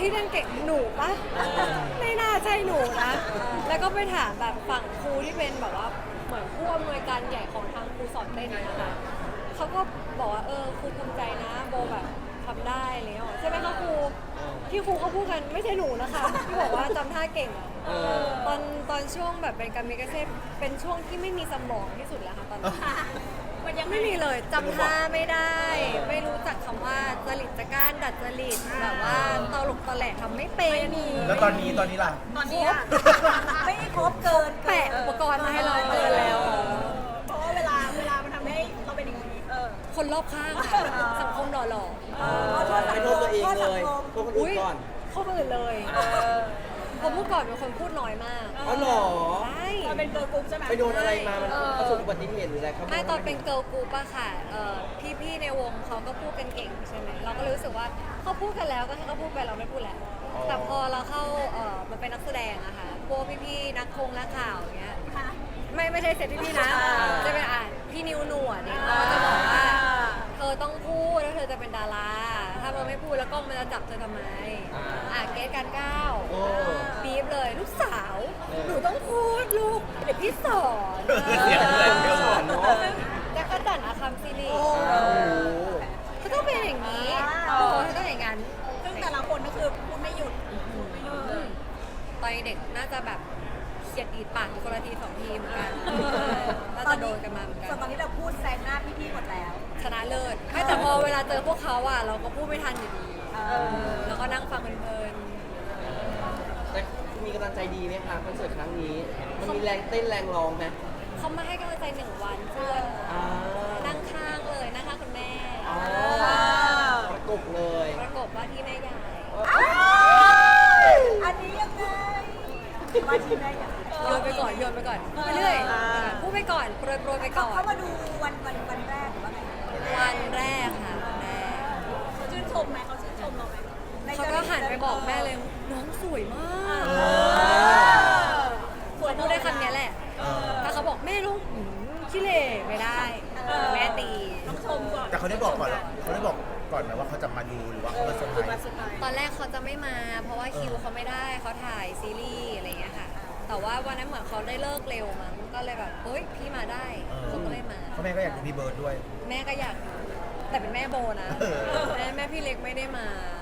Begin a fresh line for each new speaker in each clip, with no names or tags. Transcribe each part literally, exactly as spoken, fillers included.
ที่เล่นเก่งหนูปะไม่น่าใช่หนูนะแล้วก็ไปถามแบบฝั่งครูที่เป็นแบบว่าเหมือนผู้อำนวยการใหญ่ของทางครูสอนเต้นนะคะเขาก็บอกว่าเออครูภูมิใจนะโบแบบทำได้อะไรเงี้ยใช่ไหมคะครูที่ครูเขาพูดกันไม่ใช่หนูนะคะที่บอกว่าจำท่าเก่งอะตอนตอนช่วงแบบเป็นการมิกาเซ่เป็นช่วงที่ไม่มีสมองที่สุดแล้วค่ะตอนนั้นมันยังไม่มีเลยจำท่าไม่ได้ ไม่รู้จักคำว่าจริตจักร้านดัดจริตแบบว่าตลกตะแหลกทำไม่เป็น
แล้วตอนนี้ตอนนี้ล่ะ
ตอนนี้ไม่ครบเกิน
แปะอุปกรณ์มาให้เราเกินแล้ว
เพราะว่าเวลาเวลามันทำให้เราเป็นอย่างนี้เออ
คนรอบข้างค่ะสังคมหล่อ
ไม่โทษตัวเองเลยโทษคน
ๆ
อื่
อุ้
น
ย
ก่อน
เข้าคนอื่นเลยเพราะเมื่อก่อนเป็นคนพูดน้อยมาก
อ๋อเหรอ
ใช่
เราเป็นเกิร์ลกรุ๊ปใช่ไหม
ไปโดนอะไรมา มันประสบอุบัติเหตุหรืออะไรครับ
ไม่ตอนเป็นเกิร์ลกรุ๊ปอะค่ะเอ่อพี่ๆในวงเขาก็พูดกันเก่งใช่ไหมเราก็รู้สึกว่าเขาพูดกันแล้วก็ให้เขาพูดไปเราไม่พูดแล้วแต่พอเราเข้าเอ่อมันเป็นนักแสดงอะค่ะพวกพี่ๆนักคงนักข่าวอย่างเงี้ย
ค่ะ
ไม่ไม่ใช่เซตพี่ๆนะจะเป็นอ่านพี่นิวหนวดเนี่ยเขาจะบอกว่าเธอต้องพูดแล้วเธอจะเป็นดาราถ้าเธอไม่พูดแล้วกล้องมันจะจับเธอทำไมอ่ะเกตการก้าว
โอ้
บีบเลยลูกสาวหนูต้องพูดลูกเดี๋ยวพี่สอน
เสียงเลยเสียง
สอนเนาะ
แล้วก็ดันอาคัมซีรีส์
โอ้โห
ก็ต้องเป็นอย่างนี้โอ้ต้องอย่างนั้น
ซึ่งแต่ละคนก็คือพูดไม่หยุด
ตอนเด็กน่าจะแบบเขียดอีดปากอยู่คนละทีสองทีเหมือนกันน่าจะโดนกันมาเหมือนกั
ส่วน
น
ตอนนี้เราพูดแซงหน้าพี่ๆหมดแล้ว
ชนะเลิศไม่แต่พอเวลาเจอพวกเขาอ่ะเราก็พูดไม่ทันอยู่ดีแล้วก็นั่งฟังเพลิน
แต่มีกำลังใจดีไหมคะคอนเสิร์ตครั้งนี้ มันมีแรงเต้นแรงร้องไหม
ๆเขามาให้กำลังใจหนึ่งวันเพื่อน
อ่า
นั่งข้างเลยนั่งข้างคุณแม่
อ๋อประกบเลย
ประกบว่าที่แม่ใหญ่
อันนี้ยังไงมาทีแม่อย่าง
โยนไปก่อนโยนไปก่อนไปเรื่อยพูดไปก่อนโปรยโปรยไปก่อน
เขามาดูวันวันวันแรกหรือว่าไง
วันแรกค่ะวันแรก
เขาชื่นชมไหมเขาชื่นชมเราไหม
เขาก็หันไปบอกแม่เลยน้องสวยมากควรพูดได้คำนี้แหละ ถ้าเขาบอกแม่ลูกหืมขี้เหร่ไม่ได้แม่ตี
ต้องชมก่อน
แต่เขาได้บอกก่อนเหรอเขาได้บอกก่อนไหมว่าเขาจะมาดูหรือว่าเขามาเซอร์ไพรส์
ตอนแรกเขาจะไม่มา เพราะว่าคิวเขาไม่ได้เขาถ่ายซีรีส์อะไรเงี้ยค่ะ แต่ว่าวันนั้นเหมือนเขาได้เลิกเร็วมั้งก็เลยแบบเฮ้ยพี่มาได้เขาก็เลยมา
เพราะแม่ก็อยากดูพี่เบิร์ดด้วย
แม่ก็อยากดูแต่เป็นแม่โบนะ แม่แม่พี่เล็กไม่ได้มา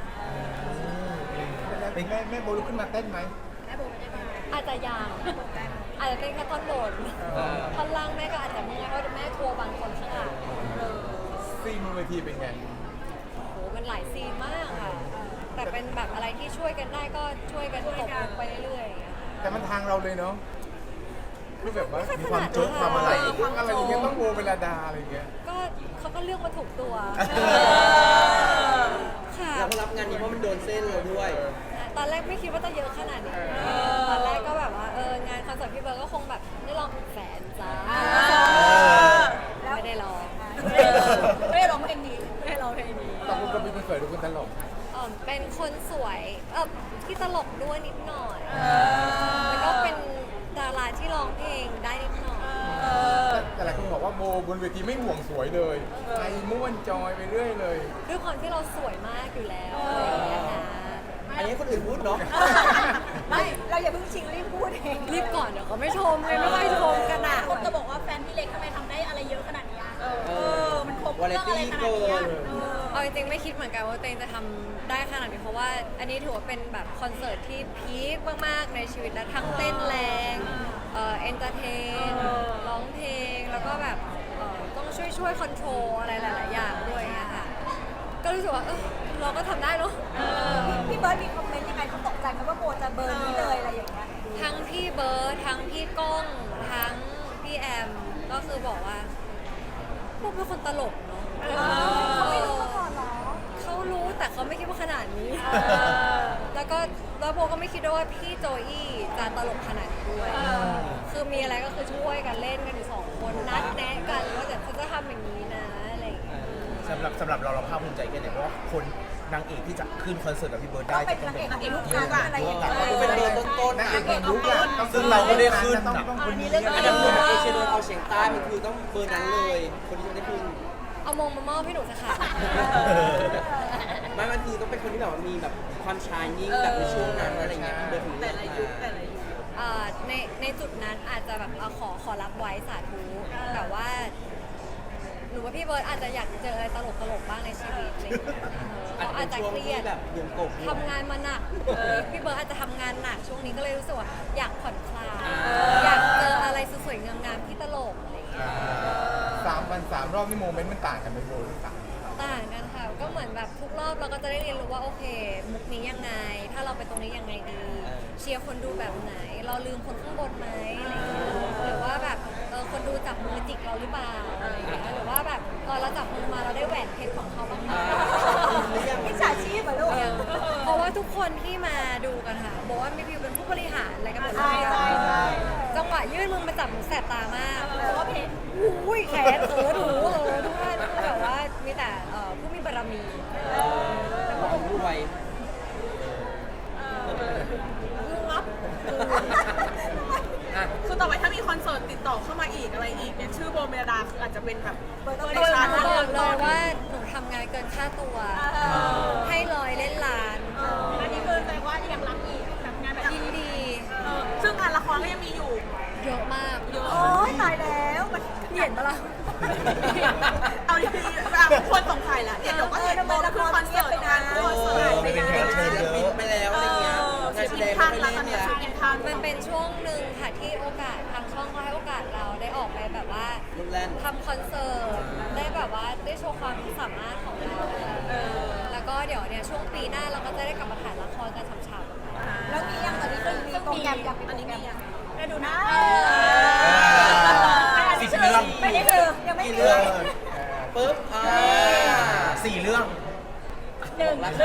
เป็นแม่แม่โบลุกขึ้นมาเต้นไหม
อาจจะยังอาจจะเป็นแค่ท่อนบนท่อนล่างแม่ก็อาจจะเมื่อยเพราะแม่ทัวร์บางคนข้างหลัง
ซีนบนเวทีเป็นไง
โอ้โหมันหลายซีนมากค่ะ แต่เป็นแบบอะไรที่ช่วยกันได้ก็ช่วยกันตบลงไปเรื่อยๆอย่างเงี้ย
แต่มันทางเราเลยเนาะคือแบบว่า
ไม่
มี
ค่อยถ
ความ
นัด
โจ๊กความอะไร
นะ
ทั้งอะไรอย่างเงี้ยต้องโบเวลาดาอะไรอย่างเงี้ย
ก็เขาก็เลือกมาถูกตัวค่ะ
เราก็รับงานนี้เพราะมันโดนเส้นเราด้วย
ตอนแรกไม่คิดว่าจะเยอะขนาดนี้ตอนแรกก็แบบว่าเอองานคอนเสิร์ตพี่เบิร์ดก็คงแบบได้ลองแสนจ้าไม่ได้ลอง
ไม่ได้ร้องเพลงนี้
ไม่ได้ลองเพลงนี้
ตอนคุณก็มีคนสวยหรือคนตลก
เอ่อเป็นคนสวยเออที่ตลกด้วยนิดหน่อย แล้วก็เป็นดาราที่ร้องเพลงได้นิดหน่อย
แต่หลายคนบอกว่าโบบนเวทีไม่ห่วงสวยเลยไปม่วนจอยไปเรื่อยเลย
ด้วยความที่เราสวยมากอยู่แล้วอะไรอย่างเงี้ยค่ะ
อันนี้คนอื่นพูดเนาะ
ไม่เราอย่าเพิ่งชิงรีบพูดเอง
รีบก่อนเดี๋ยวเขาไม่ชมไงไม่ค่อยชมกันอ่ะ
คนจะบอกว่าแฟนพี่เล็กทำไมทำได้อะไรเยอะขนาดนี้อะเออ มันครบ
วาไร
เรื่องอะไร
ตี้
ขนาด
เกิ
นี้
น
เออ
เอาจริงๆไม่คิดเหมือนกันว่าตัวเองจะทำได้ขนาดนี้เพราะว่าอันนี้ถือว่าเป็นแบบคอนเสิร์ตที่พีคมากๆในชีวิตแล้วทั้งเต้นแรงเอ่อเอนเตอร์เทนร้องเพลงแล้วก็แบบเอ่อต้องช่วยช่วยคอนโทรลอะไรหลายๆอย่างด้วยอย่างเงี้ยค่ะก็รู้สึกว่าเออเราก็ทำได้เนาะ
พี่เบิร์ดมีคอมเมนต์ยังไงเขาตกใจไหมว่าโบจะเบิร์นนี่เลยอะไรอย่างเงี้ย
ทั้งพี่เบิร์ดทั้งพี่ก้องทั้งพี่แอมก็คือบอกว่าพวกเป็นคนตลกเนาะ
เขาไม่รู้มาก่อนเหรอ
เขารู้แต่เขาไม่คิดว่าขนาดนี้ แล้วก็แล้วโบก็ไม่คิดด้วยว่าพี่โจอี้จะตลกขนาดนี้ด้วย คือมีอะไรก็คือช่วยกันเล่นกันอยู่สองคนนัดแนะกันว่าเดี๋ยวเขาจะทำอย่างนี้นะอะไรอย่างเงี้ย
สำหรับสำหรับเราเราภาคภูมิใจแค่ไหนเพราะว่าคนนางเอกที่จะขึ้นคอนเสิร์ตกับพี่เบิร์ด
ต้
ได้
องเป็น
จะต้
นา
อง
งเอ
เป็น
กนางเอกลูกค้าอะไรอย่างเงี้ย
ก็เป็นเบอร์ต้นๆ
นั
นะ
กเอกแห่งยุคอะต้อง
ซึ่งเราก็ได้ขึ้น
ต้อง
น่ะ
ต้องคนนี้
อันดับหนึ่งเอเชียโดนเอาเฉียงใต้มันคือต้องเบอร์นั้นเลย คนที่จะได้ขึ้น
เเอามงมามอบให้หนูสักค่ะ
ไม่บางทีต้องเป็นคนที่แบบว่ามีแบบความชายนิ่งแบบในช่วงนั้นอะไรเงี้ยเดินถึงแต่ละยุคแต่ละยุค
อ่าในในจุดนั้นอาจจะแบบเอาขอขอรับไว้สาธุแต่ว่าหนูว่าพี่เบิร์ดอาจจะอยากเจออะไรตลกตลกๆบ้างในชีวิตอะไรอย่างเงี้ยเออเขาอาจจะเครียด
แบบเยี่ยมกบ
ทำงานมาหนักพี่เบิร์ดอาจจะทำงานหนักช่วงนี้ก็เลยรู้สึกว่าอยากผ่อนคลายอยากเจออะไรสวยๆงามๆที่ตลกอะไรอย่างเงี้ย
สามวันสามรอบนี่โมเมนต์มันต่างกันไหมโบหรือต่าง
ต่างกันค่ะก็เหมือนแบบทุกรอบเราก็จะได้เรียนรู้ว่าโอเค มุกนี้ยังไง ถ้าเราไปตรงนี้ยังไงดีเชียร์คนดูแบบไหน เราลืมคนข้างบนไหมอะไรอย่างเงี้ยหรือว่าแบบเออคนดูจับมือจิกเราหรือเปล่าอะไรอย่างเงี้ยหรือว่าแบบตอนเราจับมือมาเราได้แหวนเพชรของเขาบ้างไหม
มิจฉาชีพเหรอลูก
เพราะว่าทุกคนที่มาดูกันค่ะบอกว่ามีวิวเป็นผู้บริหารอะไรกันหมดเล
ใช่
ย
ใช่ใช่
จังหวะยื่นมือมาจับหนูแสบตามาก
เพราะว่าเพจ
อุ้ยแขนเออหูเออทุกท่านคือแบบว่ามีแต่เอ่อผู้มีบารมี
ความรวย
งับ
อ่ะ
คือต่อไปถ้ามีคอนเสิร์ตติดต่อเข้ามาอีกอะไรอีกเนี่ยชื่อโบเมลดาคืออาจจะเป็นแบบ
เปิด
เบ
ตัว
อร์
ใน
ใน
ชา
ชา
ร์
ร์
ต
ต
บอก
ต้น
เลยว่าหนูทำงานเกินค่าตัว ให้ลอยเล่นล้าน
อันนี้คือแสดงว่ายังรับอีกแบบงานแบบ
ยินดี
เออซึ่งงานละครก็ยังมีอยู่
เยอะมาก
เยอะ
โอ้ยตายแล้วมัน
เห็นปะล่ะ
เอาดีๆแบบคนสงสัยแล้วเนี่ยเดี๋ยวก็เห็นโบก็คือคอนเสิร์ตงานคอนเสิร์ต
เออไม่เป็นแขกรับเชิญเยอะ
บินไปแล้วอะไรเงี้ย
เออ
การ
สิ
แส
บ
ดง
ทัน
ไม่
แล้ว
เล่
ตอน
น
นี้
เนี่ย
สิบทัน
มันเป็นช่วงหนึ่งค่ะที่โอกาสทางช่องเขาให้โอกาสเราได้ออกไปแบบว่า
ลูกแล่น
ทำคอนเสิร์ตได้แบบว่าได้โชว์ความสามารถของเราแล้วก็เดี๋ยวเนี่ยช่วงปีหน้าเราก็จะได้กลับมาถ่ายละครกันฉ่ำๆ
แล้วมียังตอนนี้ก็มีโปรแกรมยังมีโปรแกรมยัง
ได้ดูนะ
สิบเรื่อง
ไม่ได้คือยังไม่
กี่
มี
เรื่องปึ๊บอ่า
สี่เรื่อง
หนึ่ง
รัก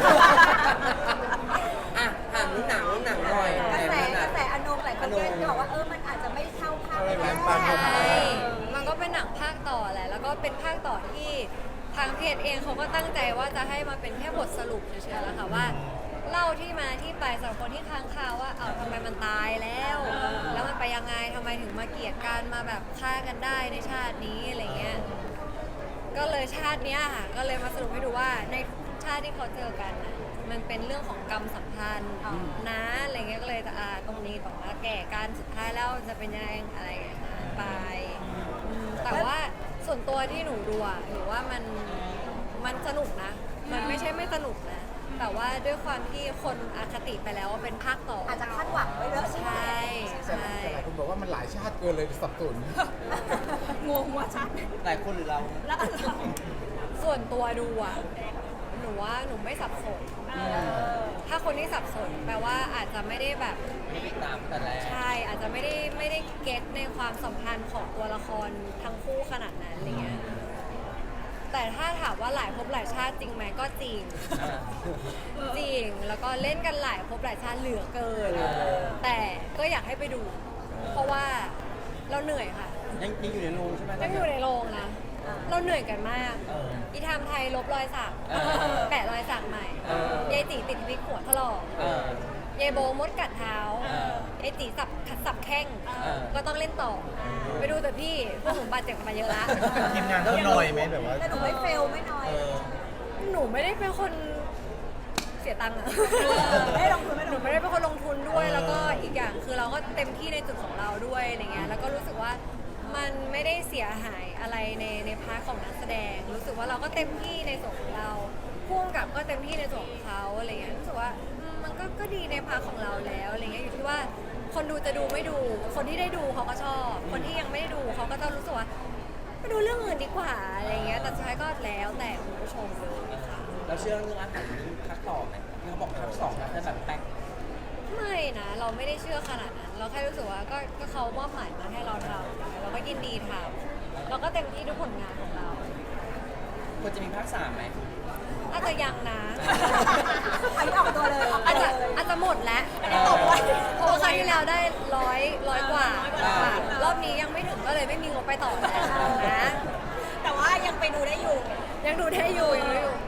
อ่ะถามเรื่องหนังเรื่องหนังหน่อย
กระแส
ห
ก
นั
ระ
ง
แสอนงหลายคนก็จะบอกว่าเออมันอาจจะไม่เท่าภาคแรก
ใช่มันก็เป็นหนังภาคต่อแหละ แล้วก็เป็นภาคต่อที่ทางเพจเองเขาก็ตั้งใจว่าจะให้มาเป็นแค่บทสรุปเฉยๆแล้วค่ะว่า เล่าที่มาที่ไปสำหรับคนที่ค้างคาว่า เอาทำไมมันตายแล้ว แล้วมันไปยังไงทำไมถึงมาเกลียดกันมาแบบฆ่ากันได้ในชาตินี้อะไรเงี้ย ก็เลยชาติเนี้ยค่ะ ก็เลยมาสรุปให้ดูว่าในชาติที่เขาเจอกันน่ะมันเป็นเรื่องของกรรมสัมพันธ์นะอะไรเงี้ย ก็เลยจะอ่าตรงนี้บอกว่าแก่กันสุดท้ายแล้วจะเป็นยังไงอะไรอย่างเงี้ยไปอืมแต่ว่าส่วนตัวที่หนูดูอะหนูว่ามันมันสนุกนะ มันไม่ใช่ไม่สนุกนะ แต่ว่าด้วยความที่คนอคติไปแล้วว่าเป็นภาคต่อ
อาจจะคาดหวังไว้เยอะ
ใช่
แต่
ใช่
แต่หลายคนบอกว่ามันหลายชาติเกินเลยสับสน
งงว่าชัด
หลายคนหรือเรา
แล้วเรา
ส่วนตัวดูอ่ะ หนูว่าหนูไม่สับสน ถ้าคนที่สับสนแปลว่าอาจจะไม่ได้แบบ
ไม่ได้ตามแต่แรก
ใช่ อาจจะไม่ได้ไม่ได้เก็ตในความสัมพันธ์ของตัวละครทั้งคู่ขนาดนั้นอะไรเงี้ย แต่ถ้าถามว่าหลายภพหลายชาติจริงไหมก็จริง จริง แล้วก็เล่นกันหลายภพหลายชาติเหลือเกิน แต่ก็อยากให้ไปดู เพราะว่าเราเหนื่อยค่ะ
ยังยังอยู่ในโรงใช่ไหม
ยังอยู่ในโรงนะ เราเหนื่อยกันมาก
เออ
อีทามไทยลบรอยสัก
เออ
แปะรอยสักใหม่
เออ
ยายจีติดวิกหัวถลอก
เออ
ยายโบมดกัดเท้า
เออ
ไอ้จีสับขัดสับแข้ง
เออ
ก็ต้องเล่นต่อ ไปดูแต่พี่ พวกหนูบาดเจ็บกันมาเยอะละ
ทีมงานเขาหน่อยไหมแบบว่า
แต่หนูไม่เฟลไม่น้อย
เออ
หนูไม่ได้เป็นคนเสียตังค์อะ
ไม่ได้ลงทุนไม่
ห
ล
นู
งทุ
ไม่
น
ได้เป็นคนลงทุนด้วย
เออ
แล้วก็อีกอย่างคือเราก็เต็มที่ในจุดของเราด้วยอะไรเงี้ย แล้วก็รู้สึกว่ามันไม่ได้เสียหายอะไรในในพาร์ทของนักแสดง รู้สึกว่าเราก็เต็มที่ในส่วนของเราพ่วงกับก็เต็มที่ในส่วนของเขาอะไรเงี้ย รู้สึกว่าอืมมันก็ก็ดีในพาร์ทของเราแล้วอะไรเงี้ย อยู่ที่ว่าคนดูจะดูไม่ดู คนที่ได้ดูเขาก็ชอบ คนที่ยังไม่ได้ดูเขาก็จะรู้สึกว่าไปดูเรื่องอื่นดีกว่าอะไรเงี้ย แต่สุดท้ายก็แล้วแต่คุณผู้ชมเลยค่ะ
เราเชื่อเรื่องอาหารภาคต่อไหมที่เขาบอกภาคสองนะจะแบบแป๊ก
ไม่นะ เราไม่ได้เชื่อขนาดนั้น เราแค่รู้สึกว่าก็ก็เขามอบหมายมาให้เราทำเราก็ยินดีทำเราก็เต็มที่ทุกผลงานของเรา
ควรจะมีภาคสามไหม
อาจจะยังนะ
อันนี้ออกตัวเลย
อาจจะอาจจะหมดแล้ว
ตบไว้
เพราะว่าครั้งที่แล้วได้ร้อยร้อยกว่า
อ่า
ค่ะรอบนี้ยังไม่ถึงก็เลยไม่มีงบไปต่อแล้วนะ
แต่ว่ายังไปดูได้อยู่
ยังดูได้อยู่ยังดูได้อยู่